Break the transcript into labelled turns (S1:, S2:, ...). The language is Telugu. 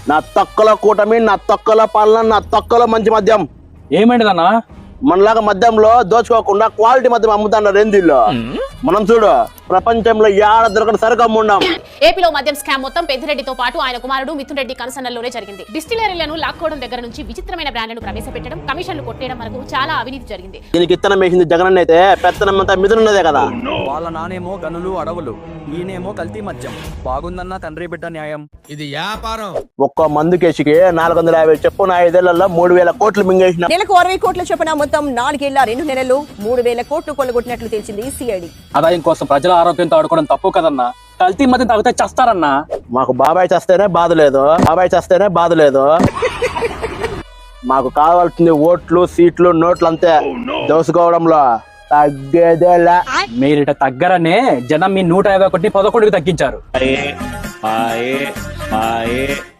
S1: నా తొక్కల కూటమి, నా తొక్కల పాలన, నా తొక్కల మంచి మద్యం.
S2: ఏమైందన్నా?
S1: మనలాగా మద్యంలో దోచుకోకుండా క్వాలిటీ మద్యం అమ్ముతున్నారు రేంజీల్లో. మనం చూడు, ప్రపంచంలో ఏడ దొరకని సరుకు అమ్ముండాం.
S3: ఏపీలో మద్యం స్కామ్ మొత్తం పెద్దిరెడ్డితో పాటు ఆయన కుమారుడు మిథున్ రెడ్డి కన్సర్న్లోనే జరిగింది. డిస్టిలరీలను లాక్కోవడం దగ్గర నుంచి విచిత్రమైన బ్రాండ్లను ప్రవేశపెట్టడం, కమిషన్లు కొట్టేయడం వరకు చాలా అవినీతి జరిగింది.
S1: దీనికి ఇత్తనం వేసింది జగన్ అయితే, పెత్తనం అంతా మిథునున్నదే కదా.
S4: వాళ్ళ నానేమో గనులు అడవులు, ఈయనేమో కల్తీ మద్యం. బాగుందన్న తండ్రి బిడ్డ న్యాయం.
S5: ఇది వ్యాపారం.
S1: ఒక్కో మందు కేసుకి 450 చెప్పున 5 ఏళ్లలో 3000 కోట్లు మింగేసిన.
S6: నెలకు 60 కోట్ల చొప్పున మొత్తం 4 ఏళ్ల 2 నెలల్లో 3000 కోట్లు కొల్లగొట్టినట్లు తెలిసింది సిఐడి.
S2: ఆదాయం కోసం ప్రజల ఆరోగ్యంతో ఆడుకోవడం తప్పు కదన్నా. కల్తీ మధ్య తాగితే చస్తారన్నా.
S1: మాకు బాబాయ్ చేస్తేనే బాధ లేదు, బాబాయ్ చేస్తేనే బాధ లేదు. మాకు కావాల్సింది ఓట్లు, సీట్లు, నోట్లు అంతే. దోసుకోవడంలో తగ్గేదేలా.
S2: మీరిట తగ్గరనే జనం మీ 151 11కి తగ్గించారు.